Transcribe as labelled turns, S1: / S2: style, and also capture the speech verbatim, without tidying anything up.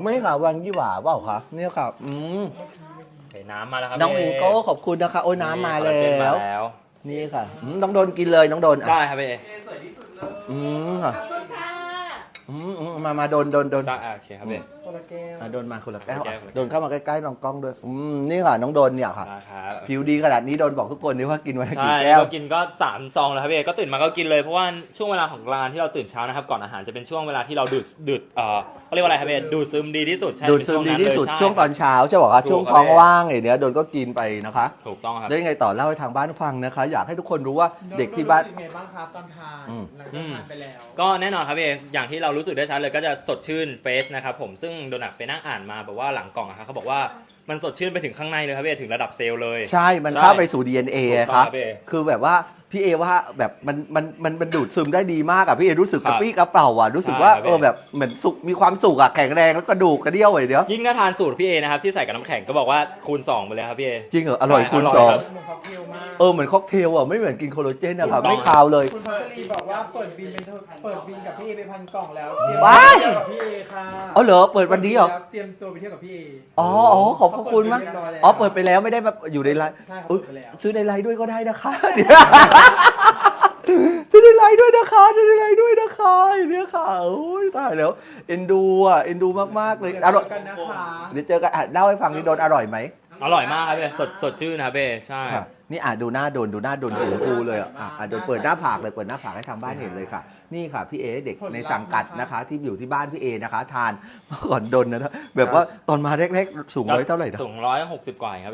S1: ไม่ค่ะวังยี่หว่าเปล่าคะเนี่ยค่ะอืม
S2: เห็นน้ำมาแล้วครับ
S1: น้อง
S2: พี่
S1: อิงโก้ขอบคุณนะคะโอ้ยน้ำมาแล้
S2: คอลลาเจนมาว แล้ว
S1: นี่ค่ะอืมน้องโดนกินเลยน้องโดนอ่ะ
S2: ได้ครับพี่เอ
S1: อืมค่ะอืมอืมมามาโดนโดนโดน
S2: ได้อ่ะโอเคครับพี่
S3: คนละแก้ว
S1: อ่ะโดนมาคนละแก้ว
S2: คนละแก้
S1: อ่ะ
S2: ว
S1: โดนเข้ามาใกล้ๆน้องกล้องด้วยอืมนี่ค่ะน้องโดนเนี่ยค่ะ
S2: ได้ครับ
S1: ผิวดีขนาดนี้โดนบอกทุกคนนี่ว่ากินวันละ
S2: ใช่
S1: กี่แก้ว
S2: ก็กินก็สามซองแล้วครับพี่เอก็ตื่นมาก็กินเลยเพราะว่าช่วงเวลาของร้านที่เราตื่นเช้านะครับก่อนอาหารจะเป็นช่วงเวลาที่เราดูดดูดเอ่อเขาเรียกว่าอะไรครับพี่เอดูดซึมดีที่สุดใช่
S1: ดูดซึมดีที่สุด
S2: เป็น
S1: ช่วงตอนเช้าใช่ป่ะคะ
S2: ถูก
S1: ช่วง
S2: ครับ
S1: ท้อง
S2: พี่
S1: ว่างไอ้เนี้ยโดนก็กินไปนะคะ
S2: ถูกต้องครับ
S1: แล้วยังไงต่อเล่าให้ทางบ้านฟังนะคะ อยากให้ทุกคนรู้ว่าเด็กที่บ้าน
S3: รู้สึกไงบ้างครับตอนทาน
S1: อืม
S3: หลังจากทานไปแล้ว
S2: ก็แน่นอนครับพี่เออย่างที่เรารู้สึกได้ชัดเลยก็จะสดชื่นเฟสนะครับผมซึ่งโดนัทไปนั่งอ่านมาแบบว่าหลังกล่องอะครับเขาบอกว่ามันสดชื่นไปถึงข้างในเลยครับพี่เอถึงระดับเซลล์เลย
S1: ใช่ มัน
S2: ใช่
S1: เข้าไปสู่ ดี เอ็น เอ
S2: ถูกต้อง
S1: ครับ
S2: ครับพี่เอ
S1: คือแบบว่าพี่เอว่าแบบมันมันมันมันดูดซึมได้ดีมากอะพี่เอรู้สึก
S2: ครั
S1: ก
S2: บ
S1: ระปี้กระเป๋าอ่ะรู้สึก
S2: ใช่
S1: ว่า
S2: ครับ
S1: เออแบบเหมือนสุกมีความสุขอะแข็งแรงแล้วกระดูกกระเดี่ยวไอ้เดียว
S2: ยิ่งถ้าทานสูตรพี่เอนะครับที่ใส่กับน้ำแข็งก็บอกว่าคูณสองไปเลยครับพี่เอ
S1: จริงเหรออร่อย
S2: ใช่
S1: คูณ
S2: อร่อย
S1: สอง
S2: ครับ
S3: เหมือนค็อกเทลมาก
S1: เออเหมือนค็อกเทลอ่ะไม่เหมือนกินโคลลาเจนนะครับ
S2: ถูกต้อง
S1: ไม่คาวเลย
S3: คุณพัชรีบอกว่าเปิดบินเป็นเปิดบินกับพี่เอไปพันกล่องแล้วเตรียม
S1: ว้าย
S3: เที่ยวกับพี่เอค่ะ
S1: อ๋อเหรอเปิดวันนี้เหรอ
S3: เตรียมตัวไปเที่ยวกับพี่เอ
S1: อ๋ออ๋อขอบพระคุณมากอ๋อเปิดไปแล้วไม่ได้แบบอยู่ในไลน์
S3: ใช่ครับ
S1: อุ๊ย
S3: เปิดไปแล้ว
S1: ซื้อในไลน์ด้วยก็ได้นะคะซื้อในไลน์ด้วยนะคะซื้อในไลน์ด้วยนะคะเนี่ยค่ะโอ้ยตายแล้วเอ็นดูอ่ะเอ็นดูมากๆเลย
S3: เดี๋ยว
S1: อร่อย
S3: เจอกันนะคะ
S1: เดี๋ยวเจอกันอ่ะเล่าให้ฟังนี่โดนอร่อยไหม
S2: อร่อยมากครับพี่เอสดสดชื่นนะครับพี่เอใช่
S1: ค่ะนี่อ่ะดูหน้าโดนดูหน้าโดนสีชมพูเลยอ่ะอ่ะอ่ะโดนเปิดหน้าผากเลยเปิดหน้าผากให้ทางบ้านเห็นเลยค่ะ นี่ค่ะพี่เอเด็กในสังกัดนะคะ ที่อยู่ที่บ้านพี่เอนะคะ ทานเมื่อก่อนโดนนะแบบว่าตอนมาแรกๆสูงร้อยเท่าไหร่นะ
S2: สูงร้อยหกสิบกว่าเองครับ